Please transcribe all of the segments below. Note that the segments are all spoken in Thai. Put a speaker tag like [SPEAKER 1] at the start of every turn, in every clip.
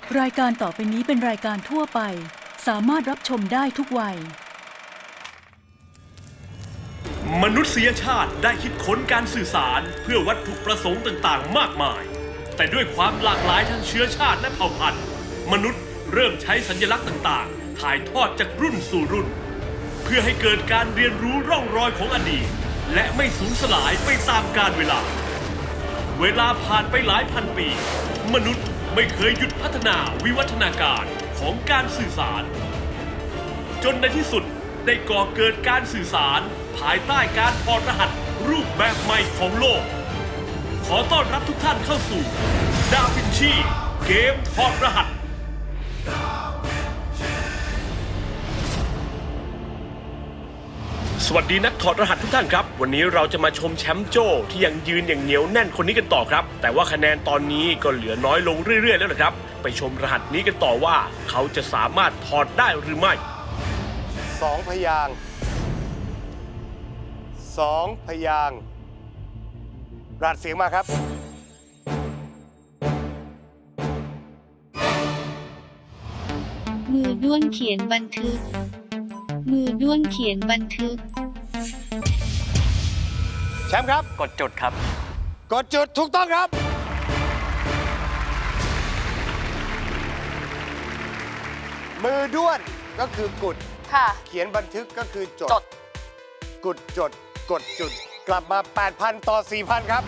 [SPEAKER 1] รายการต่อไปนี้เป็นรายการทั่วไปสามารถรับชมได้ทุกวัย
[SPEAKER 2] มนุษยชาติได้คิดค้นการสื่อสารเพื่อวัตถุประสงค์ต่างๆ มากมาย แต่ด้วยความหลากหลายทางเชื้อชาติและเผ่าพันธุ์ มนุษย์เริ่มใช้สัญลักษณ์ต่างๆ ถ่ายทอดจากรุ่นสู่รุ่น เพื่อให้เกิดการเรียนรู้ร่องรอยของอดีต และไม่สูญสลายไปตามกาลเวลา เวลาผ่านไปหลายพันปี มนุษย์ไม่เคยหยุดพัฒนาวิวัฒนาการของการสื่อสาร จนในที่สุดได้ก่อเกิดการสื่อสารภายใต้การถอดรหัสรูปแบบใหม่ของโลก ขอต้อนรับทุกท่านเข้าสู่ดาวินชีเกมถอดรหัสสวัสดีนักถอดรหัสทุกท่านครับวันนี้เราจะมาชมแชมป์โจ้ที่ยังยืนอย่างเหนียวแน่นคนนี้กันต่อครับแต่ว่าคะแนนตอนนี้ก็เหลือน้อยลงเรื่อยๆแล้วนะครับไปชมรหัสนี้กันต่อว่าเขาจะสามารถถอดได้หรือไม่
[SPEAKER 3] 2 พยางค์2 พยางค์รหัสเสียงมาครับ
[SPEAKER 4] มือด้วนเขียนบันทึกมือด้วนเขียนบันทึก
[SPEAKER 3] แชมป์ครับ
[SPEAKER 2] กดจุดครับ
[SPEAKER 3] กดจุดถูกต้องครับมือด้วนก็คือกุด
[SPEAKER 5] ค่ะ
[SPEAKER 3] เขียนบันทึกก็คือจด กุดจดกดจุดกลับมา 8,000 ต่อ 4,000 ครับ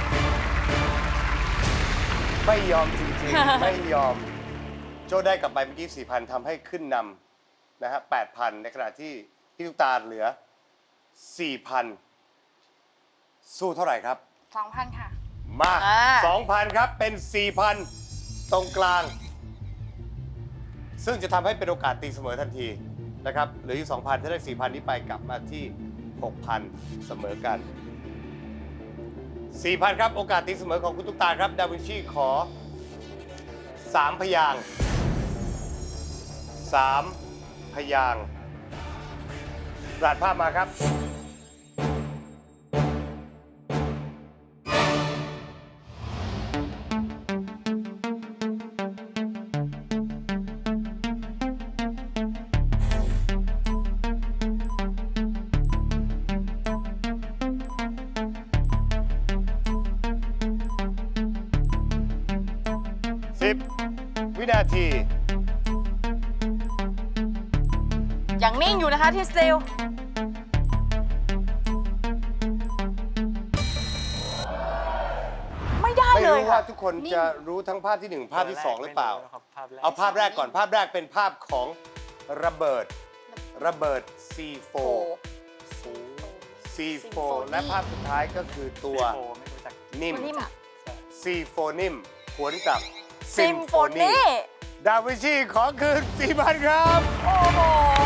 [SPEAKER 3] ไม่ยอมจริงๆ ไม่ยอม โจ้ได้กลับไปเมื่อกี้ 4,000 ทำให้ขึ้นนำนะฮะ 8,000 ในขณะที่พี่ตุ๊กตาเหลือ 4,000 สู้เท่าไหร่ครับ
[SPEAKER 5] 2,000 ค่ะ
[SPEAKER 3] มา 2,000 ครับ เป็น 4,000 ตรงกลาง ซึ่งจะทำให้เป็นโอกาสตีเสมอทันทีนะครับ เหลืออยู่ 2,000 ถ้าได้ 4,000 นี้ไปกลับมาที่ 6,000 เสมอกัน 4,000 ครับ โอกาสตีเสมอของคุณตุ๊กตาครับ ดาวินชีขอ 3 พยางค์3 พยางค์รหัสภาพมาครับ 10 วินาที
[SPEAKER 5] ยังนิ่งอยู่นะคะที่สติลไม่ได้
[SPEAKER 3] ไม่
[SPEAKER 5] เลย
[SPEAKER 3] รู้
[SPEAKER 5] ค่ะ
[SPEAKER 3] ว่าทุกคนจะรู้ทั้งภาพที่ 1 ภาพที่ 2 หรือเปล่า เอาภาพแรกก่อน ภาพแรกเป็นภาพของระเบิด C4 C4 และภาพสุดท้ายก็คือตัวนิ่ม C4 นิ่มหวนกับซิมโฟนีดาวินชีขอคืน 4,000 ครับ
[SPEAKER 5] โอ้โห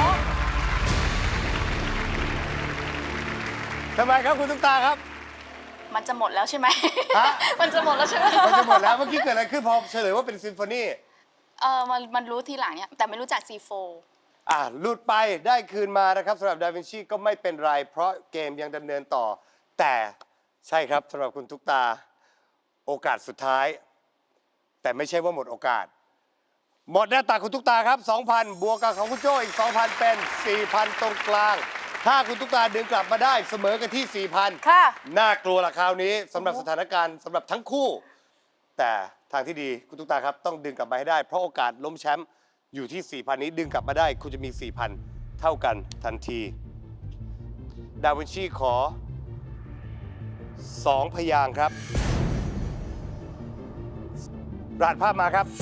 [SPEAKER 3] ทำไมครับคุณตุ๊กตาครับ
[SPEAKER 5] มันจะหมดแล้วใช่ไหม
[SPEAKER 3] ฮะ
[SPEAKER 5] มันจะหมดแล้วใช่ไหม
[SPEAKER 3] มันจะหมดแล้วเมื่อกี้เกิดอะไรขึ้นพอเฉลยว่าเป็นซิมโฟนี
[SPEAKER 5] มันรู้ทีหลังเนี่ยแต่ไม่รู้จัก C4
[SPEAKER 3] หลุดไปได้คืนมานะครับสำหรับดาวินชีก็ไม่เป็นไรเพราะเกมยังดำเนินต่อ แต่ใช่ครับสำหรับคุณตุ๊กตาโอกาสสุดท้าย แต่ไม่ใช่ว่าหมดโอกาส หมดหน้าตาคุณตุ๊กตาครับ 2,000 บวกกับของคุณโจ้อีก 2,000 เป็น 4,000 ตรงกลาง ถ้าคุณตุ๊กตาดึงกลับมาได้เสมอกันที่ 4,000
[SPEAKER 5] ค่ะ
[SPEAKER 3] น่ากลัวละคราวนี้สำหรับสถานการณ์สำหรับทั้งคู่ แต่ทางที่ดีคุณตุ๊กตาครับต้องดึงกลับมาให้ได้เพราะโอกาสล้มแชมป์อยู่ที่ 4,000 นี้ดึงกลับมาได้คุณจะมี 4,000 เท่ากันทันทีดาวินชีขอ 2 พยางค์ครับรหัสภาพมาครับ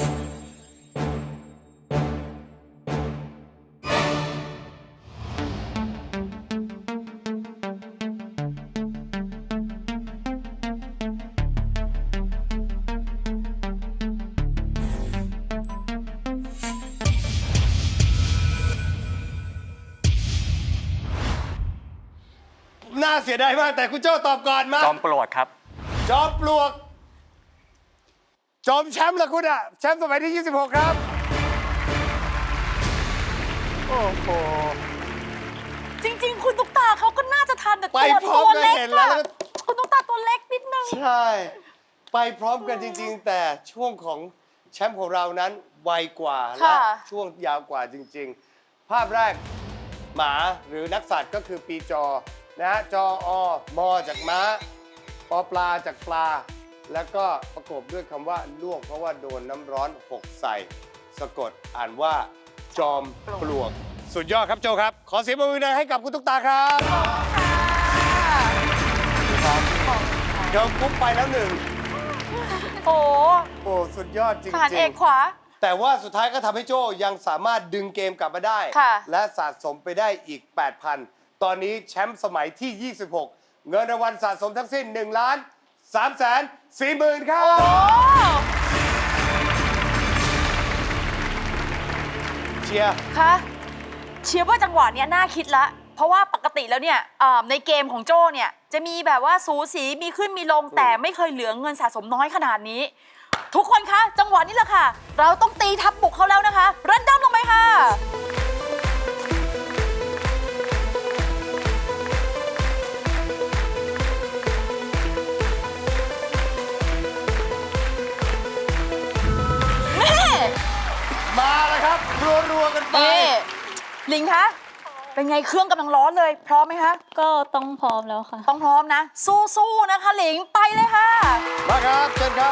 [SPEAKER 3] น่าเสียดายมากแต่คุณโจ้ตอบก่อนมา
[SPEAKER 2] จอมปลวกครับ
[SPEAKER 3] จอมปลวก จอมแชมป์ละคุณอะแชมป์สมัยที่ 26 ครับ โอ้โห
[SPEAKER 5] จริง ๆ คุณตุ๊กตาเขาก็น่าจะทันแต่
[SPEAKER 3] ไปพร้อม
[SPEAKER 5] ตัว
[SPEAKER 3] กัน
[SPEAKER 5] เล็ก
[SPEAKER 3] เห็นแล้ว
[SPEAKER 5] อะคุณตุ๊กตาตัวเล็กนิดนึง
[SPEAKER 3] ใช่ ไปพร้อมกันจริง ๆ แต่ช่วงของแชมป์ของเรานั้นไวกว่า และ
[SPEAKER 5] ค่ะ
[SPEAKER 3] ช่วงยาวกว่าจริง ๆ ภาพแรกหมาหรือนักสัตว์ก็คือปีจอนะฮะจอมอจากม้าปอปลาจากปลา แล้วก็ประกบด้วยคำว่าลวกเพราะว่าโดนน้ำร้อนหกใส่ สะกดอ่านว่าจอมปลวก สุดยอดครับโจครับ ขอเสียงปรบมือดังให้กับคุณตุ๊กตาครับเดี๋ยวกุ๊บไปแล้วหนึ่ง
[SPEAKER 5] โอ้
[SPEAKER 3] โอ้สุดยอดจริง
[SPEAKER 5] ทหารเอกขวา
[SPEAKER 3] ๆ แต่ว่าสุดท้ายก็ทำให้โจยังสามารถดึงเกมกลับมาได้
[SPEAKER 5] ค่ะ
[SPEAKER 3] และสะสมไปได้อีก 8,000 ตอนนี้แชมป์สมัยที่ 26 เงินรางวัลสะสมทั้งสิ้น1,340,000 ครับ
[SPEAKER 5] โอ้
[SPEAKER 3] เชียร์
[SPEAKER 5] คะเชียร์ว่าจังหวะเนี้ยน่าคิดละ เพราะว่าปกติแล้วเนี่ยในเกมของโจ้เนี่ยจะมีแบบว่าสูสีมีขึ้นมีลงแต่ไม่เคยเหลือเงินสะสมน้อยขนาดนี้ ทุกคนคะจังหวะนี้แหละค่ะ เราต้องตีทับบุกเขาแล้วนะคะรันดัมลงไปค่ะ
[SPEAKER 3] มาแล้วครับ รัวๆกันไป
[SPEAKER 5] นี่ลิงคะเป็นไงเครื่องกำลังร้อนเลย พร้อมไหมคะ
[SPEAKER 6] ก็ต้องพร้อมแล้วค่ะ
[SPEAKER 5] ต้องพร้อมนะ สู้ๆนะคะหลิงไปเลยค่ะ
[SPEAKER 3] มาครับเชิญครับ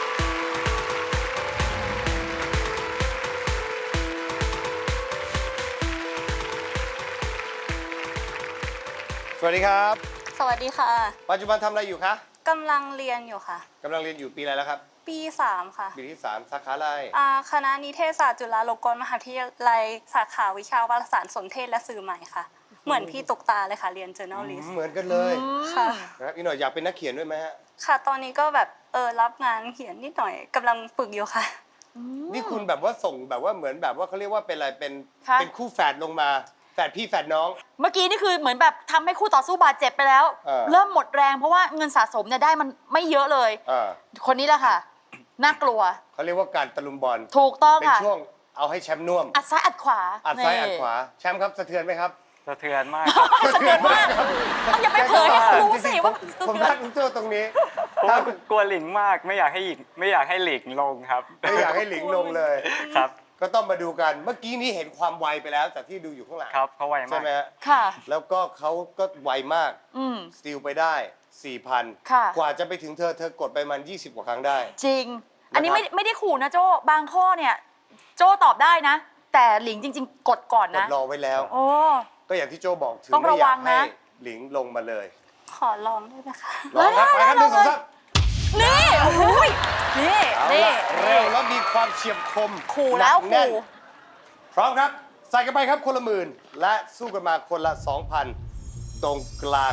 [SPEAKER 3] สวัสดีครับ
[SPEAKER 6] สวัสดีค่ะ
[SPEAKER 3] ปัจจุบันทำอะไรอยู่คะ
[SPEAKER 6] กำลังเรียนอยู่ค่ะ
[SPEAKER 3] กำลังเรียนอยู่ปีอะไรแล้วครับ
[SPEAKER 6] ปี 3 ค่ะ
[SPEAKER 3] ปีที่ 3 สาขาอะไร
[SPEAKER 6] คณะนิเทศศาสตร์จุฬาลงกรณ์มหาวิทยาลัยสาขาวิชาวารสารสนเทศและสื่อใหม่ค่ะ เหมือนพี่ตุกตาเลยค่ะ เรียน journalist
[SPEAKER 3] เหมือนกันเลย
[SPEAKER 6] ค่ะ
[SPEAKER 3] นะครับอีกหน่อยอยากเป็นนักเขียนด้วยไหมฮะ
[SPEAKER 6] ค่ะ ตอนนี้ก็แบบรับงานเขียนนิดหน่อยกำลังฝึกอยู่ค่ะ
[SPEAKER 3] นี่คุณแบบว่าส่งแบบว่าเหมือนแบบว่าเขาเรียกว่าเป็นอะไรเป็น
[SPEAKER 5] ค่ะ
[SPEAKER 3] เป็นคู่แฝดลงมาแฝดพี่แฝดน้อง
[SPEAKER 5] เมื่อกี้นี่คือเหมือนแบบทำให้คู่ต่อสู้บาดเจ็บไปแล้ว เริ่มหมดแรงเพราะว่าเงินสะสมเนี่ยได้มันไม่เยอะเลย คนนี้แหละค่ะ น่ากลัว
[SPEAKER 3] เขาเรียกว่าการตะลุมบอล
[SPEAKER 5] ถูกต้อง
[SPEAKER 3] เป็น
[SPEAKER 5] ค่ะ
[SPEAKER 3] ช่วงเอาให้แชมป์น่วม
[SPEAKER 5] อัดซ้ายอัดขวา
[SPEAKER 3] อัดซ้าย
[SPEAKER 5] นี่
[SPEAKER 3] อัดขวาแชมป์ครับสะเทือนไหมครับ
[SPEAKER 7] สะเทือนมาก
[SPEAKER 5] สะเทือนมากเอาอย่าไปเผยให้เขารู้สิว่า
[SPEAKER 3] ผมรักคุณโจ้ตรงนี้
[SPEAKER 7] เพราะว่ากลัวหลิงมากไม่อยากให้หลิงลงครับ
[SPEAKER 3] ไม่อยากให้หลิงลงเลย
[SPEAKER 7] ครับ
[SPEAKER 3] ก็ต้องมาดูกันเมื่อกี้นี้เห็นความไวไปแล้วจากที่ดูอยู่ข้างหลัง
[SPEAKER 7] ครับเขาไว
[SPEAKER 3] ใช่
[SPEAKER 7] มาก
[SPEAKER 3] ไหมฮะ
[SPEAKER 5] ค่ะ
[SPEAKER 3] แล้วก็เขาก็ไวมาก
[SPEAKER 5] อืม
[SPEAKER 3] สตีลไปได้ 4,000
[SPEAKER 5] ค่ะ
[SPEAKER 3] กว่าจะไปถึงเธอกดไปมัน 20 กว่าครั้งได้
[SPEAKER 5] จริง อันนี้
[SPEAKER 3] นะครับ
[SPEAKER 5] ไม่ได้ขู่นะโจ้บางข้อเนี่ย โจ้ตอบได้นะ แต่หลิงจริง ๆ กดก่อน
[SPEAKER 3] ก
[SPEAKER 5] นะ
[SPEAKER 3] ดรอไว้แล้ว
[SPEAKER 5] โอ้
[SPEAKER 3] ก็อย่างที่โจบอกถึง
[SPEAKER 5] ต้อง
[SPEAKER 3] ไม่
[SPEAKER 5] ระ
[SPEAKER 3] อ
[SPEAKER 5] วั
[SPEAKER 3] ยาก
[SPEAKER 5] ง
[SPEAKER 3] ให้
[SPEAKER 5] นะ
[SPEAKER 3] หลิงลงมาเลย
[SPEAKER 6] ขอลองได้ไหมคะ
[SPEAKER 3] ลองครับ ไปครับหนึ่งสองสาม
[SPEAKER 5] นี่โอ้ยนี่
[SPEAKER 3] เอา
[SPEAKER 5] นี่
[SPEAKER 3] ละเร็วแล้วมีความเฉียบคม
[SPEAKER 5] ขู่แล้ว
[SPEAKER 3] หนักน่น
[SPEAKER 5] ขู่
[SPEAKER 3] พร้อมครับ ใส่กันไปครับคนละหมื่นและสู้กันมาคนละ 2,000 ตรงกลาง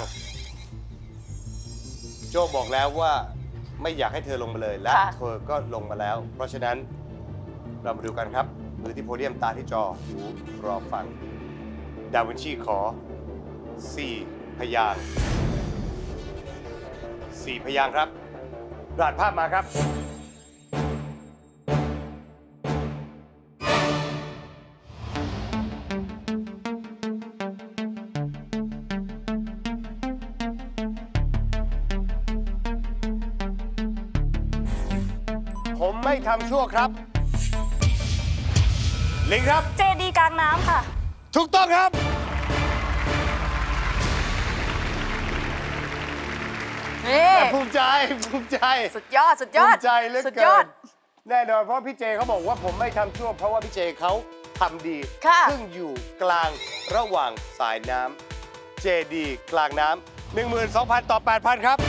[SPEAKER 3] โจบอกแล้วว่าไม่อยากให้เธอลงมาเลย และ
[SPEAKER 5] ค่ะ
[SPEAKER 3] เธอก็ลงมาแล้ว เพราะฉะนั้นเรามาดูกันครับ มือที่โพเดียมตาที่จอหูรอฟัง ดาวินชีขอ 4 พยางค์4 พยางค์ครับรหัสภาพมาครับ ผมไม่ทำชั่วครับ ลิงครับ
[SPEAKER 6] เจดีกลางน้ำค่ะ
[SPEAKER 3] ถูกต้องครับ
[SPEAKER 5] นี่
[SPEAKER 3] แต่ภูมิใจ ภูมิใจ
[SPEAKER 5] สุดยอดสุดย
[SPEAKER 3] ภู
[SPEAKER 5] อด
[SPEAKER 3] มิใจเหลือ
[SPEAKER 5] สุดย
[SPEAKER 3] เกิ
[SPEAKER 5] อด
[SPEAKER 3] น แน่นอนเพราะพี่เจเขาบอกว่าผมไม่ทำชั่ว เพราะว่าพี่เจเขาทำดี
[SPEAKER 5] ค่ะ
[SPEAKER 3] ซึ่งอยู่กลางระหว่างสายน้ำเจดีกลางน้ำ 12,000 ต่อ 8,000 ครับ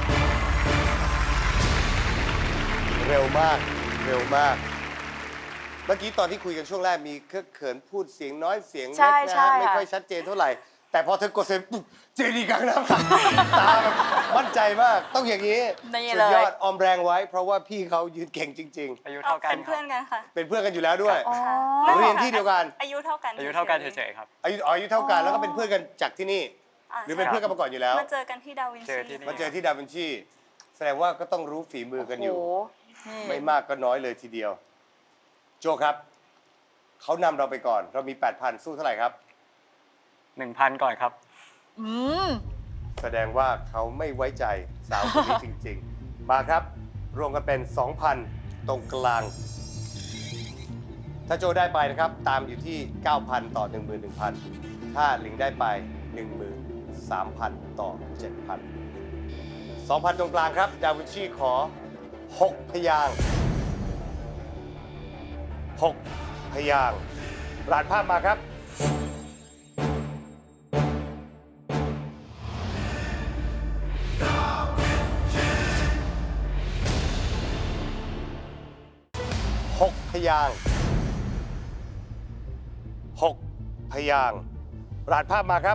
[SPEAKER 3] เร็วมาก เร็วมาก เมื่อกี้ตอนที่คุยกันช่วงแรกมีเคอะเขินพูดเสียงน้อยเสียงเล็ก
[SPEAKER 5] ใช่
[SPEAKER 3] นะ
[SPEAKER 5] ใช่
[SPEAKER 3] ฮะไม่
[SPEAKER 5] ค่ะ
[SPEAKER 3] ค่อยชัดเจนเท่าไหร่ แต่พอเธอกดเซ็นปุ๊บเจดีกลางน้ำค่ะ ตาแบบมั่นใจมาก ต้องอย่างนี้
[SPEAKER 5] นี่
[SPEAKER 3] สุ
[SPEAKER 5] เล
[SPEAKER 3] ด
[SPEAKER 5] ย
[SPEAKER 3] ยอดออมแรงไว้ เพราะว่าพี่เขายืนเก่งจริง
[SPEAKER 7] อายุเท่ากัน
[SPEAKER 6] เป็น
[SPEAKER 7] ครั
[SPEAKER 6] เพื่อบ นกันค่ะ
[SPEAKER 3] ๆ เป็นเพื่อนกันอยู่แล้วด้วย
[SPEAKER 5] อ๋อ
[SPEAKER 3] เรียนที่เดียวกัน
[SPEAKER 6] อายุเท่ากัน
[SPEAKER 7] อายุเท่ากันเฉยๆครับ
[SPEAKER 3] อายุเท่ากันแล้วก็เป็นเพื่อนกันจากที่นี่ หรือเป็นเพื่อนกันมาก่อนอยู่แล้ว
[SPEAKER 6] มาเจอกันที่ดาวิน
[SPEAKER 7] เจ
[SPEAKER 6] ชี
[SPEAKER 7] อที่นี่
[SPEAKER 3] มาเจอที่ดาวินชี แสดงว่าก็ต้องรู้ฝีมือกันอยู่
[SPEAKER 5] โอ้โหนี่
[SPEAKER 3] ไม่มากก็น้อยเลยทีเดียว โจครับ เขานำเราไปก่อน เรามี 8,000 สู้เท่าไหร่ครับ
[SPEAKER 7] 1,000 ก่อนครับ
[SPEAKER 5] อืม
[SPEAKER 3] แสดงว่าเขาไม่ไว้ใจสาวคนนี้จริง ๆ มาครับ รวมกันเป็น 2,000 ตรงกลางถ้าโจได้ไปนะครับ ตามอยู่ที่ 9,000 ต่อ 11,000 ถ้าหลิงได้ไป 13,000 ต่อ 7,000 2,000 ตรงกลางครับ ดาวินชีขอ 6 พยางค์6 พยางค์รหัสภาพมาครับ 6 พยางค์6 พยางค์รหัสภาพมาครับ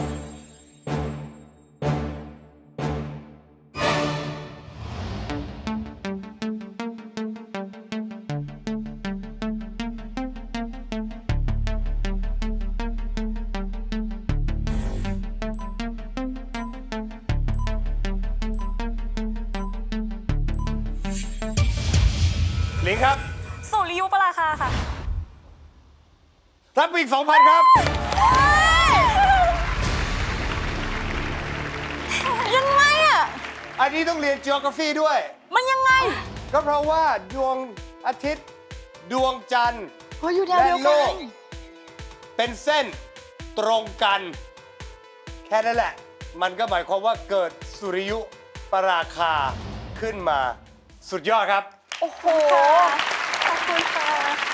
[SPEAKER 3] หลิงครับ
[SPEAKER 6] สุริยุปราคาค่ะ
[SPEAKER 3] รับไปอีก 2,000 ครับ
[SPEAKER 5] ยังไงอ่ะ
[SPEAKER 3] อันนี้ต้องเรียน geography ด้วย
[SPEAKER 5] มันยังไง
[SPEAKER 3] ก็เพราะว่าดวงอาทิตย์ ดวงจันทร์
[SPEAKER 5] เฮ้ยอยู่แนว
[SPEAKER 3] และ
[SPEAKER 5] เดียว
[SPEAKER 3] โล
[SPEAKER 5] กั
[SPEAKER 3] ก
[SPEAKER 5] น
[SPEAKER 3] เป็นเส้นตรงกัน แค่นั้นแหละ มันก็หมายความว่าเกิดสุริยุปราคาขึ้นมาสุดยอดครับ
[SPEAKER 5] โอ้โห
[SPEAKER 6] ขอบคุณค่ะ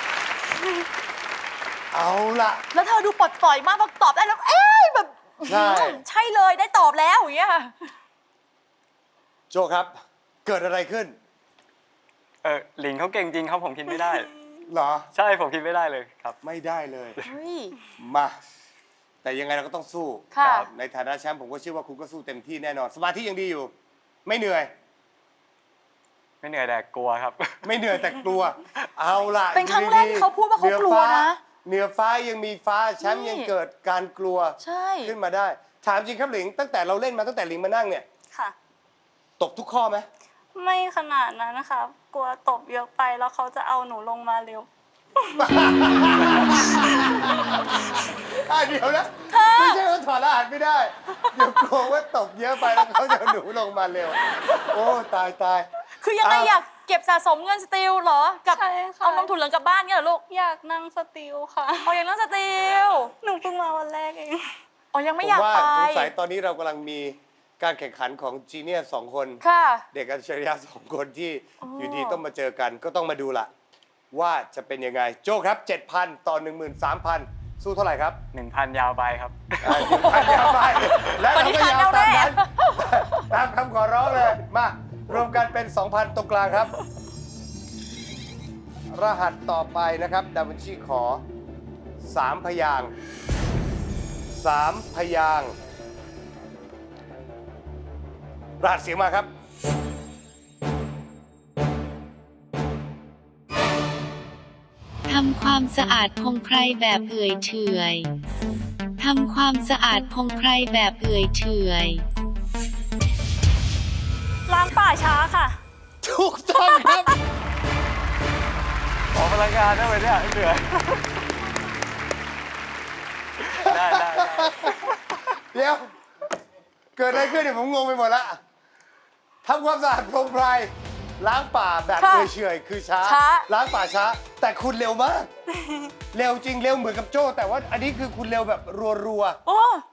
[SPEAKER 3] เอาล่ะ
[SPEAKER 5] แล้วเธอดูปลดปล่อยมากพอตอบได้แล้ว เอ๊ะแบบ
[SPEAKER 3] ใช่
[SPEAKER 5] ใช่เลยได้ตอบแล้วอย่างเงี้ย
[SPEAKER 3] โจครับ เกิดอะไรขึ้น
[SPEAKER 7] หลิงเขาเก่งจริงครับผมคิดไม่ได้
[SPEAKER 3] เหรอ
[SPEAKER 7] ใช่ผมคิดไม่ได้เลยครับ
[SPEAKER 3] ไม่ได้เลย
[SPEAKER 5] เฮ้ย
[SPEAKER 3] มา แต่ยังไงเราก็ต้องสู้
[SPEAKER 5] ค่ะ
[SPEAKER 3] ครับในฐานะแชมป์ผมก็เชื่อว่าคุณก็สู้เต็มที่แน่นอน สมาธิยังดีอยู่ ไม่เหนื่อย
[SPEAKER 7] ไม่เหนื่อยแต่กลัวครับ
[SPEAKER 3] ไม่เหนื่อยแต่กลัว เอาล่ะ
[SPEAKER 5] เป็นครั้งแรกที่เขาพูดว่าเขากลัวนะ
[SPEAKER 3] เหนือฟ้ายังมีฟ้าแชมป์
[SPEAKER 5] นี่
[SPEAKER 3] ยังเกิดการกลัว
[SPEAKER 5] ใช่
[SPEAKER 3] ขึ้นมาได้ ถามจริงครับหลิง ตั้งแต่เราเล่นมาตั้งแต่หลิงมานั่งเนี่ย
[SPEAKER 6] ค่ะ
[SPEAKER 3] ตกทุกข้อไหม
[SPEAKER 6] ไม่ขนาดนั้นนะคะ กลัวตบเยอะไปแล้วเขาจะเอาหนูลงมาเร็ว
[SPEAKER 3] เดี๋ยวนะ ไม่ใช่ว่าถอดรหัสไม่ได้ เดี๋ยวกลัวว่าตกเยอะไปแล้วเขาจะเอาหนูลงมาเร็ว โอ้ตายตาย
[SPEAKER 5] คือยังไงอยากเก็บสะสมเงินสติลเหรอ กับ
[SPEAKER 6] ใช่ค่ะ
[SPEAKER 5] เอานมถุงเหลืองกลับบ้านเนี่ยเหรอลูก
[SPEAKER 6] อยากนั่งสติลค่ะ
[SPEAKER 5] เอาอย่างนั้นสติล
[SPEAKER 6] หนูเพิ่งมาวันแรกเอง
[SPEAKER 5] อ๋อยัง
[SPEAKER 3] ผ
[SPEAKER 5] ไม่
[SPEAKER 3] ม
[SPEAKER 5] อยาก
[SPEAKER 3] ว่า
[SPEAKER 5] ไป
[SPEAKER 3] สงสัยตอนนี้เรากำลังมีการแข่งขันของจีเนียส2 คน
[SPEAKER 5] ค่ะ
[SPEAKER 3] เด็กอัจฉริยะ2 คนที่
[SPEAKER 5] อ๋อ
[SPEAKER 3] อยู่ดีต้องมาเจอกัน ก็ต้องมาดูละว่าจะเป็นยังไง โจ้ครับ 7,000 ต่อ 13,000 สู้เท่าไหร่ครับ
[SPEAKER 7] 1,000 ยาวไปครับ
[SPEAKER 3] 1,000ยาวไปและเราก็ยาวตามนั้น
[SPEAKER 5] ปฏิหารย์แน่
[SPEAKER 3] ตามคำขอร้องเลย มารวมกันเป็น 2,000 ตรงกลางครับ รหัสต่อไปนะครับ ดาวินชีขอ 3 พยางค์3 พยางค์รหัสเสียงมาครับ
[SPEAKER 4] ทำความสะอาดคงใครแบบเอื่อยเฉอยทำความสะอาดคงใครแบบเอื่อยเฉอย
[SPEAKER 6] ล้างป่าช้าค่ะ
[SPEAKER 3] ถูกต้องครับ
[SPEAKER 7] ออกพลังงานได้ไหมเนี่ยเหนื่อย ได้
[SPEAKER 3] เดี๋ยว เกิดอะไรขึ้นเนี่ยผมงงไปหมดละทำความสะอาดโพรงไพรล้างป่าแบบ
[SPEAKER 5] ค่ะ
[SPEAKER 3] เฉอยๆคือช้า
[SPEAKER 5] ช้า
[SPEAKER 3] ล้างป่าช้า แต่คุณเร็วมาก เร็วจริงเร็วเหมือนกับโจ้ แต่ว่าอันนี้คือคุณเร็วแบบรัว
[SPEAKER 5] โอ้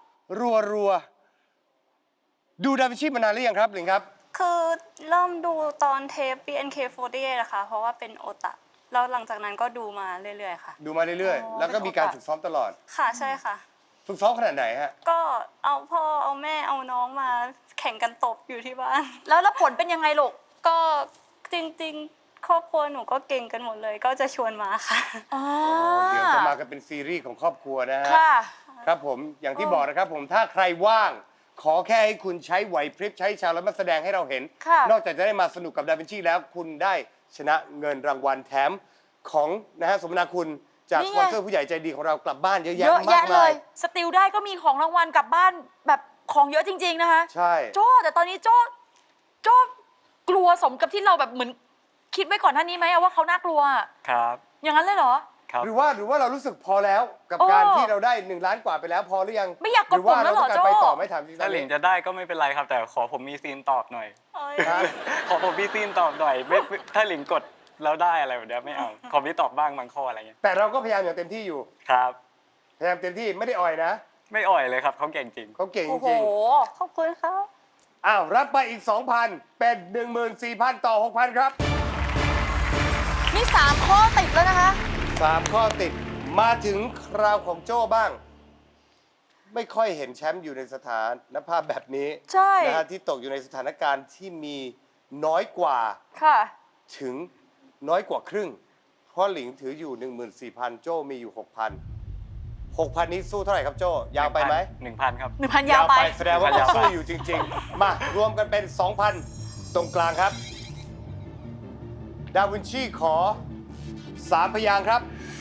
[SPEAKER 3] ๆดูดาวินชีมานานหรือยังครับหลิงครับ
[SPEAKER 6] คือเริ่มดูตอนเทป BNK48 นะคะ เพราะว่าเป็นโอตะ แล้วหลังจากนั้นก็ดูมาเรื่อยๆค่ะ
[SPEAKER 3] ดูมาเรื่อยๆ แล้วก็มีการฝึกซ้อมตลอด
[SPEAKER 6] ค่ะใช่ค่ะ
[SPEAKER 3] ฝึกซ้อมขนาดไหนฮะ
[SPEAKER 6] ก็เอาพ่อเอาแม่เอาน้องมาแข่งกันตบอยู่ที่บ้าน
[SPEAKER 5] แล้วผลเป็นยังไงลูก
[SPEAKER 6] ก็จริงๆ ครอบครัวหนูก็เก่งกันหมดเลย ก็จะชวนมาค่ะ
[SPEAKER 5] อ๋อ
[SPEAKER 3] เดี๋ยวจะมากันเป็นซีรีส์ของครอบครัวนะฮะ
[SPEAKER 5] ค่ะ
[SPEAKER 3] ครับผมอย่างที่บอกนะครับผมถ้าใครว่าง ขอแค่ให้คุณใช้ไหวพริบใช้ชาวแล้วมาแสดงให้เราเห็น
[SPEAKER 5] ค่ะ
[SPEAKER 3] นอกจากจะได้มาสนุกกับดาวินชีแล้วคุณได้ชนะเงินรางวัลแถมของนะฮะสมนาคุณจาก
[SPEAKER 5] นี่
[SPEAKER 3] ส
[SPEAKER 5] ไง
[SPEAKER 3] ปอนเซอร์ผู้ใหญ่ใจดีของเรากลับบ้านเยอะ
[SPEAKER 5] เย
[SPEAKER 3] แยะ
[SPEAKER 5] อะ
[SPEAKER 3] มา
[SPEAKER 5] แยะ
[SPEAKER 3] ก
[SPEAKER 5] เล
[SPEAKER 3] มาย ย
[SPEAKER 5] สติลได้ก็มีของรางวัลกลับบ้านแบบของเยอะจริง ๆ นะคะ
[SPEAKER 3] ใช่
[SPEAKER 5] โจ้แต่ตอนนี้โจ้กลัวสมกับที่เราแบบเหมือนคิดไว้ก่อนหน้านี้ไหมอะว่าเขาน่ากลัวอะ
[SPEAKER 7] ครับ
[SPEAKER 5] อย่างนั้นเลยเหรอ
[SPEAKER 7] ครับ
[SPEAKER 3] หรือว่าเรารู้สึกพอแล้วกับ
[SPEAKER 5] โอ้
[SPEAKER 3] การที่เราได้1 ล้านกว่าไปแล้วพอหรือยัง
[SPEAKER 5] ไม่อยากกดปุ่มแล้วเหรอ
[SPEAKER 3] รือว่าเราต้องการไป
[SPEAKER 5] โจ้
[SPEAKER 3] ต่อไม่ถามจริงๆ
[SPEAKER 7] ถ้าหลิงจะได้ก็ไม่เป็นไรครับ แต่ขอผมมีซีนตอบหน่อย
[SPEAKER 3] ฮะ
[SPEAKER 7] ขอผมมีซีนตอบหน่อยไม่ถ้าหลิงกดแล้วได้อะไรแบบเนี้ยไม่เอาขอพี่ตอบบ้างบางข้ออะไรเงี้ย
[SPEAKER 3] แต่เราก็พยายามอย่างเต็มที่อยู่
[SPEAKER 7] ครับ
[SPEAKER 3] พยายามเต็มที่ไม่ได้อ่อยนะ
[SPEAKER 7] ไม่อ่อยเลยครับเขาเก่งจริง
[SPEAKER 3] เขาเก่ง
[SPEAKER 5] โอ้
[SPEAKER 3] จ
[SPEAKER 5] โห
[SPEAKER 3] ริง
[SPEAKER 6] ขอบคุณครับ
[SPEAKER 3] อ้าวรับไปอีก 2,000 เป็น 14,000 ต่อ 6,000 ครับ
[SPEAKER 5] นี่3 ข้อติดแล้วนะคะ
[SPEAKER 3] 3 ข้อติดมาถึงคราวของโจ้บ้าง ไม่ค่อยเห็นแชมป์อยู่ในสถานภาพแบบนี้
[SPEAKER 5] ใช่
[SPEAKER 3] นะฮะที่ตกอยู่ในสถานการณ์ที่มีน้อยกว่า
[SPEAKER 5] ค่ะ
[SPEAKER 3] ถึงน้อยกว่าครึ่ง เพราะหลิงถืออยู่ 14,000 โจ้มีอยู่ 6,000 นี้สู้เท่าไหร่ครับโจ้ยาวไปไหม
[SPEAKER 7] 1,000 ครับ
[SPEAKER 5] 1,000 ยาวไป
[SPEAKER 3] แสดงว่า
[SPEAKER 7] 1,000 ยาวไป
[SPEAKER 3] สู้อยู่จริง ๆ มารวมกันเป็น 2,000 ตรงกลางครับ ดาวินชีขอ 3 พยางค์ครับ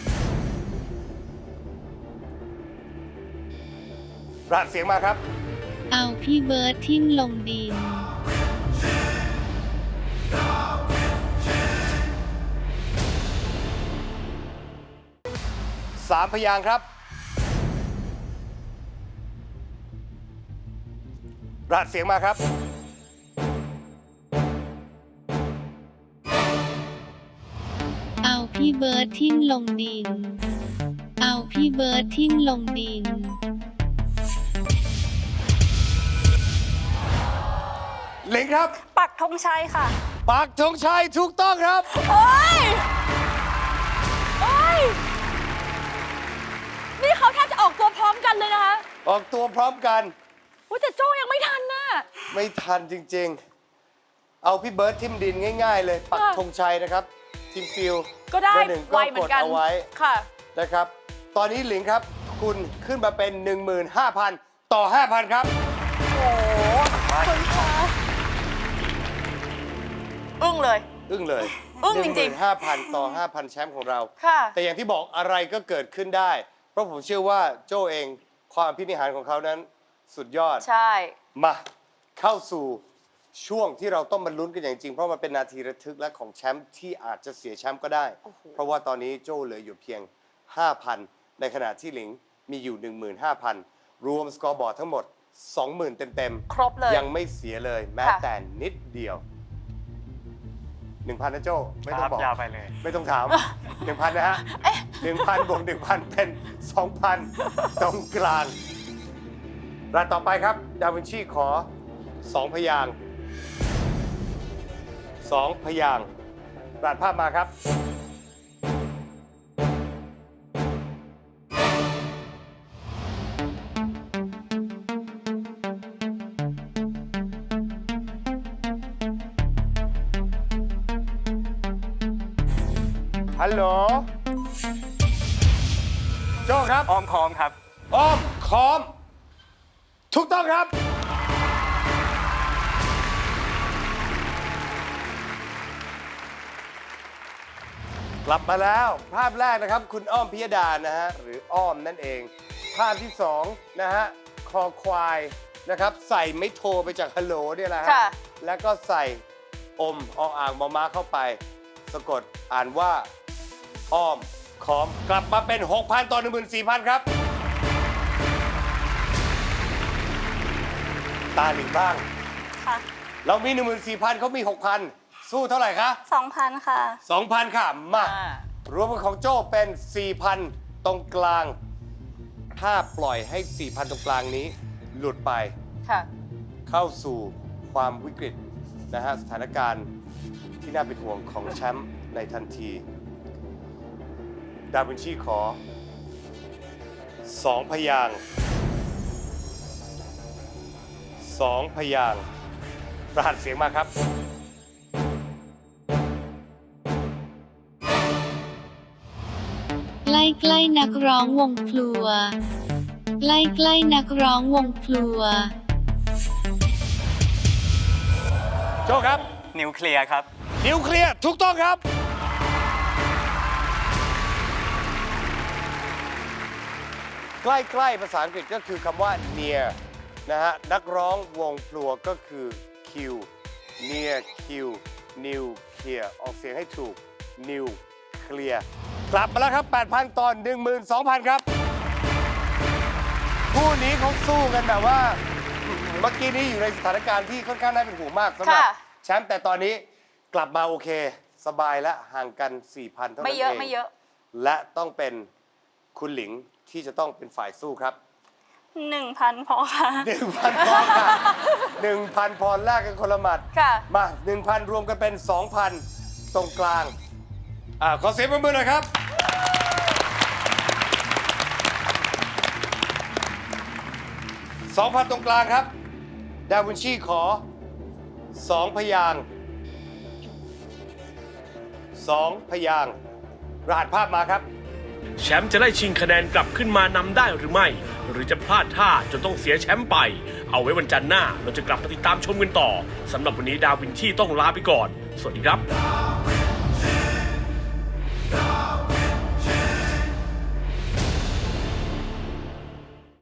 [SPEAKER 3] รหัสเสียงมาครับ
[SPEAKER 4] เอาพี่เบิร์ดทิ่มลงดิน
[SPEAKER 3] 3 พยางค์ครับรหัสเสียงมาครับ
[SPEAKER 4] เอาพี่เบิร์ดทิ่มลงดิน เอาพี่เบิร์ดทิ่มลงดิน
[SPEAKER 3] หลิงครับ
[SPEAKER 6] ปักธงชัยค่ะ
[SPEAKER 3] ปักธงชัยถูกต้องครับ
[SPEAKER 5] เฮ้ยเฮ้ย นี่เขาแทบจะออกตัวพร้อมกันเลยนะคะ
[SPEAKER 3] ออกตัวพร้อมกัน
[SPEAKER 5] อุ๊ยแต่โจ้ยังไม่ทันน่ะ
[SPEAKER 3] ไม่ทันจริงๆ เอาพี่เบิร์ดทิมดินง่ายๆเลย ปัก
[SPEAKER 5] ค่ะ
[SPEAKER 3] ธงชัยนะครับ ทีมฟิล
[SPEAKER 5] ก็ได้
[SPEAKER 3] เบอร์หนึ่ง
[SPEAKER 5] ไว
[SPEAKER 3] ก็
[SPEAKER 5] เหมื
[SPEAKER 3] ก
[SPEAKER 5] อ
[SPEAKER 3] ด
[SPEAKER 5] นกัน
[SPEAKER 3] เอาไว้
[SPEAKER 5] ค่ะ
[SPEAKER 3] นะครับ ตอนนี้หลิงครับ คุณขึ้นมาเป็น 15,000 ต่อ 5,000 ครับ
[SPEAKER 5] โอ้โหคุณคะอึ้งเลย
[SPEAKER 3] อึ้งเลย
[SPEAKER 5] อึ้งจริงๆ
[SPEAKER 3] 15,000 ต่อ 5,000 แชมป์ของเรา
[SPEAKER 5] ค่ะ
[SPEAKER 3] แต่อย่างที่บอกอะไรก็เกิดขึ้นได้ เพราะผมเชื่อว่าโจเองความพินิหารของเขานั้นสุดยอด
[SPEAKER 5] ใช่
[SPEAKER 3] มาเข้าสู่ช่วงที่เราต้องมาลุ้นกันอย่างจริง เพราะมันเป็นนาทีระทึกและของแชมป์ที่อาจจะเสียแชมป์ก็ได้ เพราะว่าตอนนี้โจ้เหลืออยู่เพียง 5,000 ในขณะที่หลิงมีอยู่ 15,000 รวมสกอร์บอร์ดทั้งหมด 20,000 เต็ม
[SPEAKER 5] ครบเลย
[SPEAKER 3] ยังไม่เสียเลยแม้
[SPEAKER 5] ค่ะ
[SPEAKER 3] แต่นิดเดียว 1,000 นะโจ้ไม่
[SPEAKER 7] ค
[SPEAKER 3] ต้อ
[SPEAKER 7] รั
[SPEAKER 3] ง
[SPEAKER 7] บ
[SPEAKER 3] บอก
[SPEAKER 7] ยาวไปเลย
[SPEAKER 3] ไม่ต้องถาม 1,000 นะฮะ 1,000 บวก 1,000 เป็น 2,000 ตรงกลางรายต่อไปครับ ดาวินชีขอ 2 พยางค์2 พยางค์รายภาพมาครับ ฮัลโหล โจ้ครับ
[SPEAKER 7] อ้อมค้อมครับ
[SPEAKER 3] อ้อมคอม ถูกต้องครับ กลับมาแล้วภาพแรกนะครับ คุณอ้อมพิยดานะฮะ หรืออ้อมนั่นเอง ภาพที่ 2 นะฮะ คอควายนะครับ ใส่ไม่โทรไปจากฮัลโหลเนี่ยแหละฮะ
[SPEAKER 5] ค่ะ
[SPEAKER 3] แล้วก็ใส่อมออ่างมอม้าเข้าไป สะกดอ่านว่า อ้อมคอม กลับมาเป็น 6,000 ต่อ 14,000 ครับ ตาหลิงบ้าง
[SPEAKER 6] ค่ะ
[SPEAKER 3] เรามี 14,000เขามี 6,000 สู้เท่าไหร่คะ
[SPEAKER 6] 2,000 ค่ะ
[SPEAKER 3] 2,000 ค่ะ มา
[SPEAKER 5] อ่า
[SPEAKER 3] รวมกันของโจ้เป็น 4,000 ตรงกลาง ถ้าปล่อยให้ 4,000 ตรงกลางนี้ หลุดไป
[SPEAKER 5] ค่ะ
[SPEAKER 3] เข้าสู่ความวิกฤตนะฮะสถานการณ์ที่น่าเป็นห่วงของแชมป์ในทันที ดาวินชีขอ 2 พยางค์2 พยางค์รหัสเสียงมาครับ
[SPEAKER 4] ใกล้ๆนักร้องวงพลัว ใกล้ๆนักร้องวงพลัว
[SPEAKER 3] โจ้ครับ
[SPEAKER 7] นิวเคลียร์ครับ
[SPEAKER 3] นิวเคลียร์ถูกต้องครับ ใกล้ๆภาษาอังกฤษก็คือคำว่า near นะฮะ นักร้องวงพลัวก็คือ Q near Q new clear ออกเสียงให้ถูก new clear กลับมาแล้วครับ 8,000 ตอน 12,000 ครับ คู่นี้เขาสู้กันแบบว่า เมื่อกี้นี้อยู่ในสถานการณ์ที่ค่อนข้างน่าเป็นห่วงมากสำหรับ
[SPEAKER 5] ค่ะ
[SPEAKER 3] แชมป์แต่ตอนนี้กลับมาโอเคสบายและห่างกัน 4,000 เท่านั้น
[SPEAKER 5] ไม่
[SPEAKER 3] เอง
[SPEAKER 5] เยอะไม่เยอะ
[SPEAKER 3] และต้องเป็นคุณหลิงที่จะต้องเป็นฝ่ายสู้ครับ
[SPEAKER 6] 1,000 พอค่ะ
[SPEAKER 3] 1,000 พอค่ะ 1,000 พอแลกกันคนละหมัด
[SPEAKER 5] ค่ะ
[SPEAKER 3] มา 1,000 รวมกันเป็น 2,000 ตรงกลาง ขอเสียงปรบมือหน่อยครับ 2,000 ตรงกลางครับ ดาวินชีขอ 2 พยางค์2 พยางค์รหัสภาพมาครับ
[SPEAKER 2] แชมป์จะได้ชิงคะแนนกลับขึ้นมานำได้หรือไม่ หรือจะพลาดท่าจนต้องเสียแชมป์ไป เอาไว้วันจันทร์หน้าเราจะกลับมาติดตามชมกันต่อสำหรับวันนี้ดาวินชีต้องลาไปก่อน สวัสดีครับ